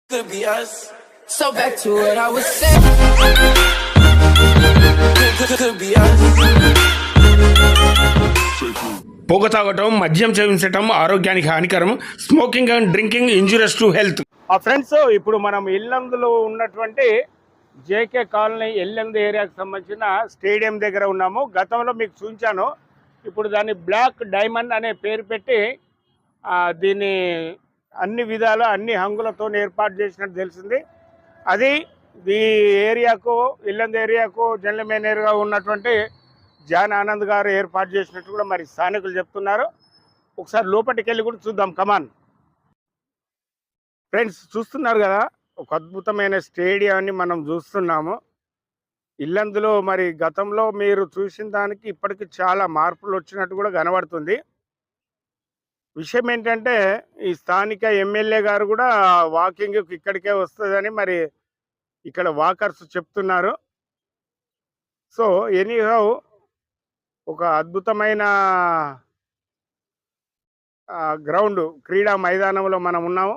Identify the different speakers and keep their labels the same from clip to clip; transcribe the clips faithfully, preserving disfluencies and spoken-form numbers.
Speaker 1: Could be us. So back to what I was saying. Could, could be us.
Speaker 2: పొగ తాగటం, మద్యం సేవించటం ఆరోగ్యానికి హానికరం. Smoking and drinking injurious to health. ఆ ఫ్రెండ్స్, ఇప్పుడు మనం ఇల్లందులో ఉన్నటువంటి జేకే కాలనీ ఎల్లందు ఏరియాకి సంబంధించిన స్టేడియం దగ్గర ఉన్నాము. గతంలో మీకు చూపించాను. ఇప్పుడు దాన్ని బ్లాక్ డైమండ్ అనే పేరు పెట్టి దీన్ని అన్ని విధాల అన్ని హంగులతో ఏర్పాటు చేసినట్టు తెలిసింది. అది ఈ ఏరియాకు ఇల్లందు ఏరియాకు జనరల్ మేనేజర్గా ఉన్నటువంటి జాన్ ఆనంద్ గారు ఏర్పాటు చేసినట్టు కూడా మరి స్థానికులు చెప్తున్నారు. ఒకసారి లోపలికి వెళ్ళి కూడా చూద్దాం. కమాన్ ఫ్రెండ్స్, చూస్తున్నారు కదా, ఒక అద్భుతమైన స్టేడియాన్ని మనం చూస్తున్నాము. ఇల్లందులో మరి గతంలో మీరు చూసిన దానికి ఇప్పటికి చాలా మార్పులు వచ్చినట్టు కూడా కనబడుతుంది. విషయం ఏంటంటే, ఈ స్థానిక ఎమ్మెల్యే గారు కూడా వాకింగ్ ఇక్కడికే వస్తుందని మరి ఇక్కడ వాకర్స్ చెప్తున్నారు. సో ఎనీహౌ ఒక అద్భుతమైన గ్రౌండ్ క్రీడా మైదానంలో మనం ఉన్నాము.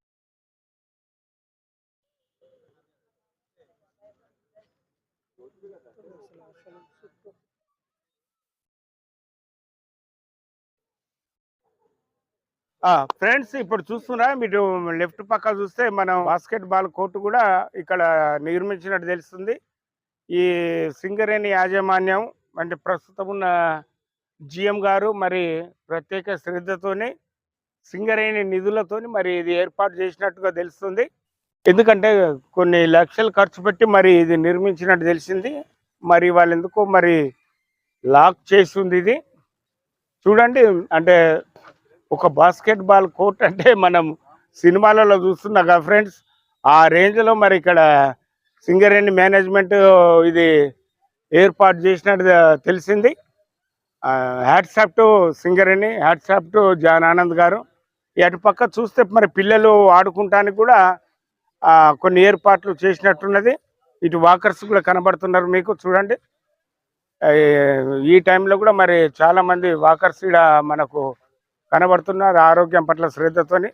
Speaker 2: ఫ్రెండ్స్, ఇప్పుడు చూస్తున్నా మీరు లెఫ్ట్ పక్క చూస్తే మనం బాస్కెట్ బాల్ కోర్టు కూడా ఇక్కడ నిర్మించినట్టు తెలుస్తుంది. ఈ సింగరేణి యాజమాన్యం అంటే ప్రస్తుతం ఉన్న జిఎం గారు మరి ప్రత్యేక శ్రద్ధతోని సింగరేణి నిధులతోని మరి ఇది ఏర్పాటు చేసినట్టుగా తెలుస్తుంది. ఎందుకంటే కొన్ని లక్షలు ఖర్చు పెట్టి మరి ఇది నిర్మించినట్టు తెలిసింది. మరి వాళ్ళు ఎందుకో మరి లాక్ చేసి ఉంది ఇది. చూడండి, అంటే ఒక బాస్కెట్ బాల్ కోర్ట్ అంటే మనం సినిమాలలో చూస్తున్నాం కదా ఫ్రెండ్స్, ఆ రేంజ్లో మరి ఇక్కడ సింగరేణి మేనేజ్మెంట్ ఇది ఏర్పాటు చేసినట్టు తెలిసింది. Hats off to Singareni, hats off to John Anand గారు. అటు పక్క చూస్తే మరి పిల్లలు ఆడుకుంటానికి కూడా కొన్ని ఏర్పాట్లు చేసినట్టున్నది. ఇటు వాకర్స్ కూడా కనబడుతున్నారు మీకు. చూడండి, ఈ టైంలో కూడా మరి చాలామంది వాకర్స్ ఇక్కడ మనకు కనబడుతున్నారు ఆరోగ్యం పట్ల శ్రద్ధతోని.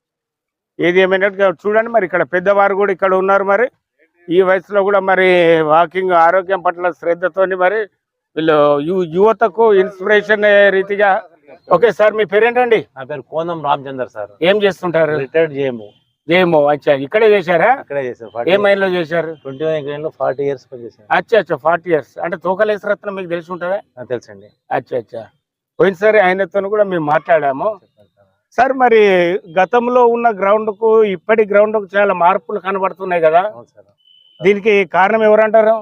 Speaker 2: ఏది ఏమైనా చూడండి, మరి ఇక్కడ పెద్దవారు కూడా ఇక్కడ ఉన్నారు. మరి ఈ వయసులో కూడా మరి వాకింగ్ ఆరోగ్యం పట్ల శ్రద్ధతోని మరి వీళ్ళు యువతకు ఇన్స్పిరేషన్ రీతిగా. ఓకే సార్, మీ పేరేంటండి?
Speaker 3: నా పేరు కోనం రామచందర్ సార్.
Speaker 2: ఏం చేస్తుంటారు?
Speaker 3: Retired JMO.
Speaker 2: జేఎంఓ. అచ్చా, ఇక్కడే చేశారా?
Speaker 3: ఇక్కడే చేశారు.
Speaker 2: ఏ మైన్ లో చేశారు?
Speaker 3: ట్వంటీ వన్ లో ఫార్టీ ఇయర్స్ పనిచేశారు.
Speaker 2: అచ్చా అచ్చా, ఫార్టీ ఇయర్స్ అంటే తోకలేసి రత్నం మీకు తెలిసి ఉంటుందా?
Speaker 3: తెలుసండి.
Speaker 2: అచ్చా అచ్చా, పోయినసారి ఆయనతో కూడా మేము మాట్లాడాము. సార్, మరి గతంలో ఉన్న గ్రౌండ్ కు ఇప్పటి గ్రౌండ్ కు చాలా మార్పులు కనబడుతున్నాయి కదా, దీనికి కారణం ఎవరంటారు?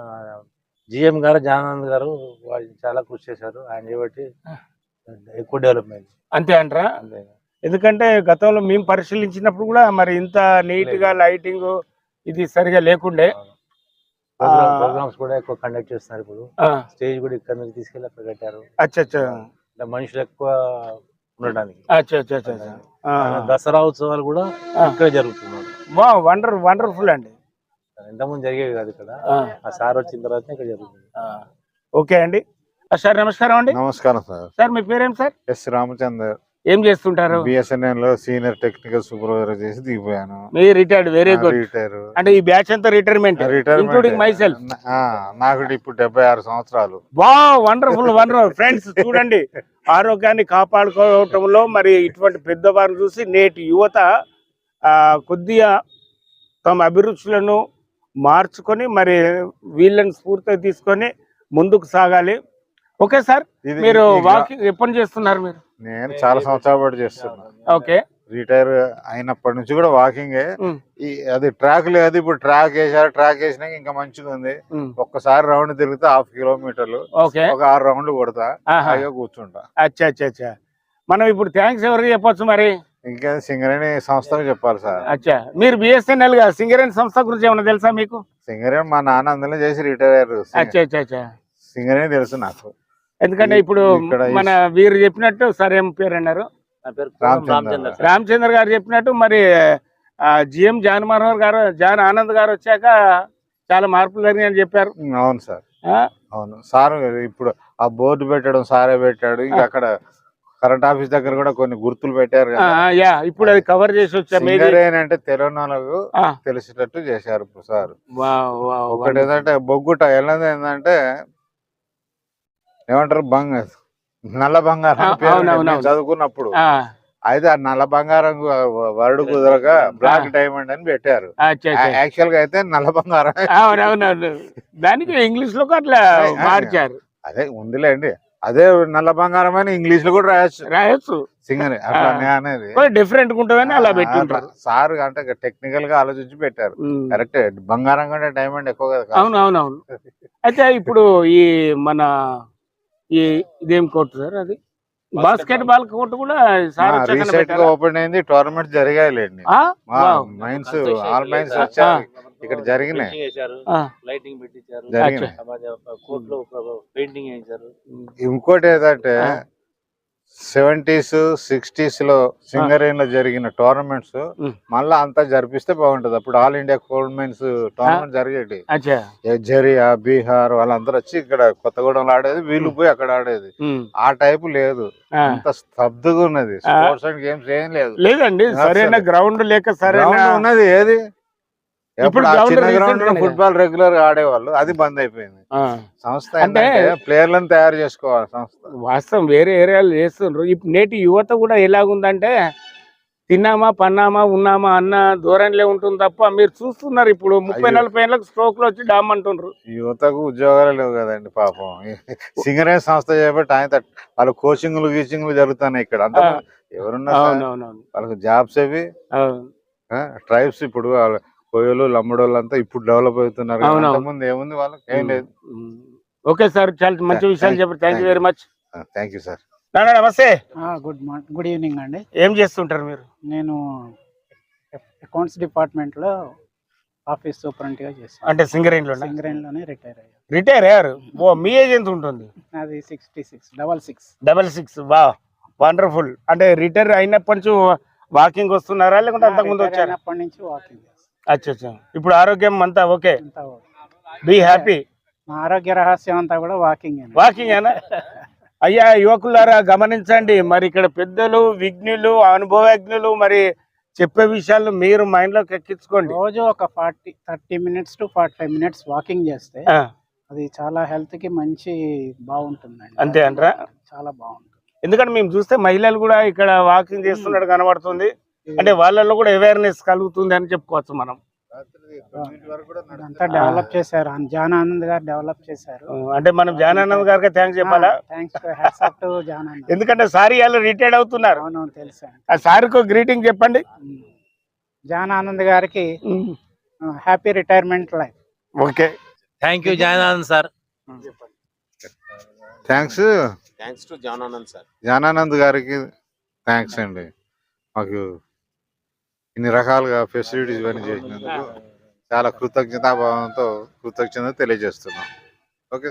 Speaker 3: జిఎం గారు జానానంద్ గారు వాళ్ళు చాలా కృషి చేశారు. ఆయన చేయబట్టి ఎక్కువ డెవలప్మెంట్. అంతే
Speaker 2: అంటారా? ఎందుకంటే గతంలో మేము పరిశీలించినప్పుడు కూడా మరి ఇంత నీట్ గా లైటింగ్ ఇది సరిగా లేకుండే.
Speaker 3: ప్రోగ్రామ్స్ కూడా ఎక్కువ కండక్ట్ చేస్తున్నారు. ఇప్పుడు స్టేజ్ కూడా ఇక్కడ నుంచి తీసుకెళ్ళి అక్కడ కట్టారు.
Speaker 2: అచ్చా అచ్చా,
Speaker 3: మనుషులు ఎక్కువ ఉండడానికి.
Speaker 2: అచ్చా అచ్చా అచ్చా,
Speaker 3: దసరా ఉత్సవాలు కూడా ఇక్కడ జరుగుతున్నారు.
Speaker 2: వా వండర్ వండర్ఫుల్ అండి.
Speaker 3: ఇంతకుముందు జరిగేవి కాదు ఇక్కడ. ఆ సార్ వచ్చిన తర్వాత ఇక్కడ జరుగుతుంది.
Speaker 2: ఓకే అండి. సార్ నమస్కారం అండి.
Speaker 4: నమస్కారం సార్.
Speaker 2: సార్ మీ పేరేం సార్?
Speaker 4: ఎస్ రామచందర్.
Speaker 2: ఏం చేస్తుంటారు?
Speaker 4: బిఎస్ఎన్ఎల్ లో సీనియర్ టెక్నికల్ సూపర్వైజర్ చేసి దిగిపోయాను.
Speaker 2: మీ రిటైర్డ్. Very good. రిటైర్ అంటే ఈ బ్యాచ్ అంతా రిటైర్మెంట్, ఇంక్లూడింగ్ మై సెల్ఫ్.
Speaker 4: నాకు ఇప్పుడు డెబ్బై ఆరు సంవత్సరాలు.
Speaker 2: వా వండర్ఫుల్ వండర్ఫుల్. ఫ్రెండ్స్ చూడండి, ఆరోగ్యాన్ని కాపాడుకోవటంలో మరి ఇటువంటి పెద్దవారిని చూసి నేటి యువత కొద్దిగా తమ అభిరుచులను మార్చుకొని మరి వీళ్ళని స్ఫూర్తిగా తీసుకొని ముందుకు సాగాలి. ఓకే సార్, మీరు వాకింగ్ ఎప్పటి చేస్తున్నారు? మీరు?
Speaker 4: నేను చాలా సంవత్సరాల పాటు చేస్తున్నా.
Speaker 2: ఓకే.
Speaker 4: రిటైర్ అయినప్పటి నుంచి కూడా వాకింగే. అది ట్రాక్ లేదు, ఇప్పుడు ట్రాక్ వేసారు. ట్రాక్ వేసినాక ఇంకా మంచిగా ఉంది. ఒక్కసారి రౌండ్ తిరిగితే హాఫ్ కిలోమీటర్లు, ఒక ఆరు రౌండ్లు కొడతా, హాయిగా కూర్చుంటా.
Speaker 2: అచ్చా అచ్చా అచ్చా. మనం ఇప్పుడు థ్యాంక్స్ ఎవరికి చెప్పొచ్చు మరి?
Speaker 4: ఇంకా సింగరేణి సంస్థకు చెప్పాలి సార్.
Speaker 2: అచ్చా, మీరు బిఎస్ఎన్ఎల్ గా సింగరేణి సంస్థ గురించి ఏమైనా తెలుసా మీకు?
Speaker 4: సింగరేణి మా నాన్న అందులో చేసి రిటైర్ అయ్యారు.
Speaker 2: అచ్చా అచ్చా అచ్చా,
Speaker 4: సింగరేణి తెలుసు నాకు.
Speaker 2: ఎందుకంటే ఇప్పుడు మన వీరు చెప్పినట్టు సార్ ఏం పేరు అన్నారు? రామచంద్ర గారు చెప్పినట్టు మరి జిఎం జాన్ మనోహర్ గారు జాన్ ఆనంద్ గారు వచ్చాక చాలా మార్పులు జరిగాయని చెప్పారు.
Speaker 4: అవును సార్, అవును సార్. ఇప్పుడు ఆ బోర్డు పెట్టడం సారే పెట్టాడు. ఇంకా అక్కడ కరెంట్ ఆఫీస్ దగ్గర కూడా కొన్ని గుర్తులు పెట్టారు
Speaker 2: ఆ,
Speaker 4: కదా.
Speaker 2: యా ఇప్పుడు అది కవర్ చేసి వచ్చాము ఏది?
Speaker 4: సింగరేణి అంటే తెలంగాణకు
Speaker 2: ఆ,
Speaker 4: తెలిసేటట్టు చేశారు సార్.
Speaker 2: వావ్, వావ్,
Speaker 4: ఒకటి
Speaker 2: wonderful.
Speaker 4: ఏంటంటే బొగ్గుట ఎలాంటి ఏంటంటే ఏమంటారు బంగ నల్ల బంగారం
Speaker 2: ఆ,
Speaker 4: అని పేరు
Speaker 2: అవును,
Speaker 4: ఉండేది
Speaker 2: అవును,
Speaker 4: మేము
Speaker 2: అవును.
Speaker 4: చదువుకున్నప్పుడు.
Speaker 2: ఆ,
Speaker 4: అయితే ఆ నల్ల బంగారం వరడు కుదరక బ్లాక్ డైమండ్ అని పెట్టారు.
Speaker 2: అచ్చా, అచ్చా.
Speaker 4: యాక్చువల్ గా అయితే నల్ల బంగారం.
Speaker 2: అవునవునవును, దానికి ఇంగ్లీష్ లో అట్లా మార్చారు.
Speaker 4: అదే ఉందిలేండి, అదే నల్ల బంగారం అని ఇంగ్లీష్ లో కూడా రాయొచ్చు
Speaker 2: రాయొచ్చు,
Speaker 4: సింగర్ అట్లా నే- అనేది
Speaker 2: డిఫరెంట్ ఉంటుందని అలా పెట్టింటారు.
Speaker 4: సార్ అంటే టెక్నికల్ గా ఆలోచించి పెట్టారు.
Speaker 2: ఉమ్.
Speaker 4: కరెక్ట్, బంగారం కంటే డైమండ్ ఎక్కువ కదా.
Speaker 2: అవును అవునవును. అయితే ఇప్పుడు ఈ మన ఈ ఇదేం కోర్టు సార్, అది బాస్కెట్ బాల్ కోర్టు కూడా సార్ వచ్చాకనే
Speaker 4: రీసెంట్ గా
Speaker 2: పెట్టారా?
Speaker 4: ఓపెన్ అయింది, టోర్నమెంట్ జరిగాయిలేండి.
Speaker 2: ఆ? వావ్.
Speaker 4: మైన్స్ ఆల్ మైన్స్ వచ్చారు ఇక్కడ జరిగినాయి.
Speaker 2: ఆ.
Speaker 3: లైటింగ్ పెట్టించారు,
Speaker 4: జరిగినాయి.
Speaker 3: కోర్టులో పెయింటింగ్ వేయించారు.
Speaker 4: ఇంకోటి ఏంటంటే
Speaker 2: ఆ.
Speaker 4: సెవెంటీస్ సిక్స్టీస్ లో సింగరేణిలో జరిగిన టోర్నమెంట్స్
Speaker 2: ఉమ్.
Speaker 4: మళ్ళా అంతా జరిపిస్తే బాగుంటది. అప్పుడు all India coal mines tournament జరిగేటి.
Speaker 2: అచ్చా.
Speaker 4: జరియా బీహార్ వాళ్ళందరూ వచ్చి ఇక్కడ కొత్తగూడెంలో ఆడేది, వీళ్ళు పోయి అక్కడ ఆడేది.
Speaker 2: ఉమ్.
Speaker 4: ఆ టైపు లేదు,
Speaker 2: ఆ.
Speaker 4: అంత స్తబ్దుగా ఉన్నది. స్పోర్ట్స్ అండ్ గేమ్స్ ఏం లేదు.
Speaker 2: లేదండి, సరైన గ్రౌండ్ లేక సరైన
Speaker 4: గ్రౌండ్ ఉన్నది ఏది,
Speaker 2: ఇప్పుడు
Speaker 4: ఎప్పుడు ఆ
Speaker 2: ground
Speaker 4: చిన్న
Speaker 2: recent
Speaker 4: గ్రౌండ్ లో
Speaker 2: గానే
Speaker 4: ఫుట్బాల్ రెగ్యులర్ గా ఆడేవాళ్ళు, అది బంద్ అయిపోయింది.
Speaker 2: ఆ.
Speaker 4: సంస్థ
Speaker 2: అంటే
Speaker 4: అంటే ప్లేయర్లను తయారు చేసుకోవాలి సంస్థ.
Speaker 2: వాస్తవం వేరే ఏరియాలు చేస్తుండ్రు. ఇప్పుడు నేటి యువత కూడా ఎలాగుందంటే తిన్నామా పన్నామా ఉన్నామా అన్న ధోరణిలో ఉంటుంది తప్ప, మీరు చూస్తున్నారు ఇప్పుడు ముప్పై
Speaker 4: అయ్యో.
Speaker 2: నలభై ఏళ్ళకి స్ట్రోక్ లో వచ్చి డామ్ అంటుండ్రు.
Speaker 4: యువతకు ఉద్యోగాలు లేవు కదండి పాపం. సింగరేణి సంస్థ చేపట్టి ఆయన తట్- వాళ్ళ కోచింగ్లు గీచింగ్లు జరుగుతున్నాయి ఇక్కడ. అంత
Speaker 2: ఆ.
Speaker 4: ఎవరున్నా సార్,
Speaker 2: అవునవునవును.
Speaker 4: వాళ్ళకి జాబ్స్ అవి.
Speaker 2: అవును.
Speaker 4: ట్రైబ్స్ ఇప్పుడు వాళ్ళ కోయలు లమ్మడోళ్ళు అంతా ఇప్పుడు డెవలప్ అవుతున్నారు.
Speaker 2: అవునవును.
Speaker 4: అంతకుముందు ఏముంది వాళ్ళకి, ఏం లేదు.
Speaker 2: ఉమ్. ఓకే సార్, చాలా మంచి
Speaker 4: Thank-
Speaker 2: విషయాలు చెప్పారు. Thank you very much.
Speaker 4: Thank you sir.
Speaker 2: నాన్న నమస్తే.
Speaker 5: గుడ్ మార్నింగ్, గుడ్ ఈవినింగ్ అండి.
Speaker 2: ఏం చేస్తుంటారు మీరు?
Speaker 5: నేను అకౌంట్స్ డిపార్ట్మెంట్ లో ఆఫీస్ సూపరింటెండెంట్ గా చేస్తాను.
Speaker 2: అంటే సింగరేణిలో
Speaker 5: సింగరేణి లోనే రిటైర్ అయ్యాను.
Speaker 2: రిటైర్ అయ్యారు? ఓ, మీ ఏజ్ ఎంత ఉంటుంది?
Speaker 5: అది sixty six double six
Speaker 2: double six. వా, వండర్ఫుల్. అంటే రిటైర్ అయినప్పటి నుంచి వాకింగ్ వస్తున్నారా లేకుంటే అంతకు ముందు వచ్చారా?
Speaker 5: అయినప్పటి నుంచి వాకింగ్ చేస్తాను.
Speaker 2: అచ్చా అచ్చా. ఇప్పుడు ఆరోగ్యం అంతా ఓకే?
Speaker 5: అంతా ఓకే.
Speaker 2: Be happy.
Speaker 5: మా ఆరోగ్య రహస్యం అంతా కూడా వాకింగ్.
Speaker 2: వాకింగ్ ఏనా? అయ్యా యువకులారా గమనించండి, మరి ఇక్కడ పెద్దలు విజ్ఞులు అనుభవజ్ఞులు మరి చెప్పే విషయాలు మీరు మైండ్ లోకి ఎక్కించుకోండి.
Speaker 5: రోజు ఒక forty thirty minutes to forty five minutes walking చేస్తే
Speaker 2: ఆ,
Speaker 5: అది చాలా హెల్త్ కి మంచి బాగుంటుందండి.
Speaker 2: అంతే అంటారా?
Speaker 5: చాలా బాగుంటుంది.
Speaker 2: ఎందుకంటే మేము చూస్తే మహిళలు కూడా ఇక్కడ వాకింగ్ చేస్తున్నట్టు కనబడుతుంది. అంటే వాళ్ళల్లో కూడా అవేర్నెస్ కలుగుతుంది అని చెప్పుకోవచ్చు మనం.
Speaker 5: అంతా డెవలప్ చేశారు, జానానంద్ గారు డెవలప్ చేశారు.
Speaker 2: ఆ, అంటే మనం జానానంద్ గారికి థ్యాంక్స్ చెప్పాలా?
Speaker 5: Thanks hats off to Jananand.
Speaker 2: ఎందుకంటే సార్ వాళ్ళు రిటైర్డ్ అవుతున్నారు.
Speaker 5: అవునవును, తెలుసా.
Speaker 2: ఆ సార్కు గ్రీటింగ్ చెప్పండి.
Speaker 5: జానానంద్ గారికి happy retirement life.
Speaker 2: Okay,
Speaker 3: thank you Jananand sir.
Speaker 4: Thanks
Speaker 6: thanks to Jananand sir.
Speaker 4: Jananand గారికి థ్యాంక్స్ అండి. మాకు ఇన్ని రకాలుగా ఫెసిలిటీస్ ఇవన్నీ చేసినందుకు చాలా కృతజ్ఞతాభావంతో కృతజ్ఞత తెలియజేస్తున్నాం. ఓకే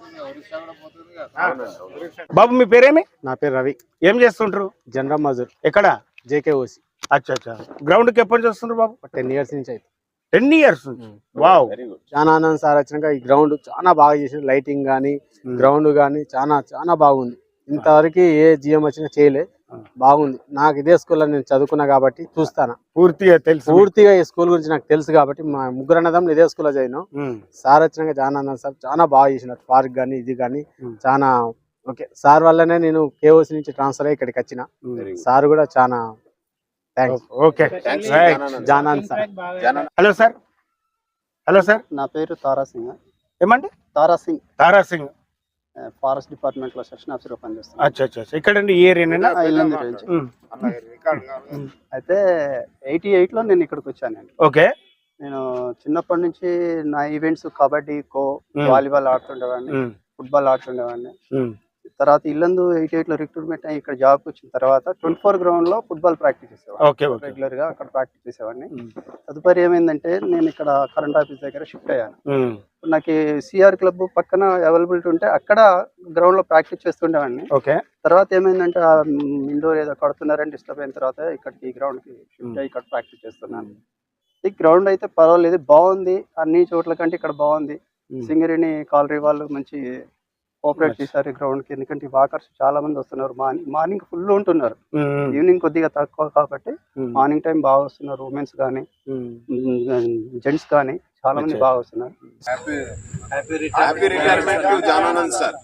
Speaker 2: బాబు మీ పేరేమి?
Speaker 7: నా పేరు రవి,
Speaker 2: ఏం చేస్తుంటారు?
Speaker 7: జనరల్ మజూర్,
Speaker 2: ఎక్కడ?
Speaker 7: జేకేఓసి.
Speaker 2: అచ్చా అచ్చా. గ్రౌండ్ కి ఎప్పటి నుంచి వస్తుంటారు బాబు?
Speaker 7: టెన్ ఇయర్స్ నుంచి అయితే.
Speaker 2: టెన్ ఇయర్స్ నుంచి. Wow.
Speaker 6: Very good.
Speaker 7: Jananand sir వచ్చినాక ఈ గ్రౌండ్ చాలా బాగా చేసిండు. లైటింగ్ కానీ గ్రౌండ్ కానీ చాలా చాలా బాగుంది. ఇంతవరకు ఏ జిఎం వచ్చినా చేయలే, బాగుంది. నాకు ఇదే స్కూల్లో నేను చదువుకున్నా కాబట్టి చూస్తాను
Speaker 2: పూర్తిగా తెలుసు.
Speaker 7: పూర్తిగా ఈ స్కూల్ గురించి నాకు తెలుసు కాబట్టి మా ముగ్గురు అన్నదమ్ములు ఇదే స్కూల్లో చదివినాం.
Speaker 2: ఉమ్.
Speaker 7: సార్ వచ్చినాక జానానంద్ సార్ చాలా బాగా చేసినారు. పార్క్ కానీ ఇది కానీ
Speaker 2: ఉమ్.
Speaker 7: చాలా ఓకే. సార్ వల్లనే నేను కేఓసి నుంచి ట్రాన్స్ఫర్ అయ్యి ఇక్కడికి వచ్చిన. సార్ కూడా చాలా thanks.
Speaker 2: Okay,
Speaker 6: thanks
Speaker 2: right.
Speaker 6: Jananand.
Speaker 7: Jananand sir.
Speaker 2: Hello sir. Hello sir.
Speaker 8: నా పేరు తారా సింగ్.
Speaker 2: ఏమండి?
Speaker 8: తారా సింగ్,
Speaker 2: తారా సింగ్.
Speaker 8: ఫారెస్ట్ డిపార్ట్మెంట్ లో సెక్షన్ ఆఫీసర్ పనిచేస్తాను.
Speaker 2: అచ్చా అచ్చా. ఇక్కడండి ఈ ఏరియానా?
Speaker 8: ఆ, ఇల్లందు నుంచి. అయితే ఎయిటీ ఎయిట్ లో నేను ఇక్కడికి వచ్చానండి.
Speaker 2: ఓకే.
Speaker 8: నేను చిన్నప్పటి నుంచి నా events kabaddi, kho,
Speaker 2: Hmm.
Speaker 8: Volleyball ఆడుతుండేవాడిని,
Speaker 2: ఉమ్.
Speaker 8: ఫుట్బాల్ ఆడుతుండేవాడిని.
Speaker 2: ఉమ్.
Speaker 8: తర్వాత ఇల్లందు ఎయిటీ ఎయిట్ లో రిక్రూట్మెంట్ అయ్యి ఇక్కడ జాబ్ వచ్చిన తర్వాత ట్వంటీ ఫోర్ గ్రౌండ్ లో ఫుట్బాల్ ప్రాక్టీస్ చేసేవాడిని.
Speaker 2: Okay okay.
Speaker 8: రెగ్యులర్ గా అక్కడ ప్రాక్టీస్ చేసేవాడిని.
Speaker 2: ఉమ్.
Speaker 8: తదుపరి ఏమైందంటే నేను ఇక్కడ కరెంట్ ఆఫీస్ దగ్గర షిఫ్ట్ అయ్యాను.
Speaker 2: ఉమ్.
Speaker 8: నాకు సిఆర్ క్లబ్ పక్కన అవైలబిలిటీ ఉంటే అక్కడ గ్రౌండ్ లో ప్రాక్టీస్ చేస్తుండేవాడిని.
Speaker 2: ఓకే.
Speaker 8: తర్వాత ఏమైందంటే ఆ ఇండోర్ ఏదో కడుతున్నారని డిస్టర్బ్ అయిన తర్వాత ఇక్కడికి ఈ గ్రౌండ్ కి షిఫ్ట్ అయ్యి ఇక్కడ ప్రాక్టీస్ చేస్తున్నాను. ఈ గ్రౌండ్ అయితే పర్వాలేదు, బాగుంది. అన్ని చోట్ల కంటే ఇక్కడ బాగుంది. సింగరేణి కాలరీ వాళ్ళు మంచి కోఆపరేట్ చేశారు ఈ గ్రౌండ్ కి. ఎందుకంటే వాకర్స్ చాలా మంది వస్తున్నారు. మార్నింగ్ మార్నింగ్ ఫుల్ ఉంటున్నారు, ఈవినింగ్ కొద్దిగా తక్కువ కాబట్టి మార్నింగ్ టైం బాగా వస్తున్నారు. ఉమెన్స్ కానీ జెంట్స్ కానీ చాలా మంది బాగా వస్తున్నారు.
Speaker 6: Happy retirement to Jananand sir.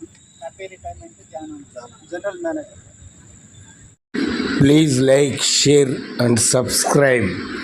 Speaker 8: General manager.
Speaker 9: Please like, share and subscribe.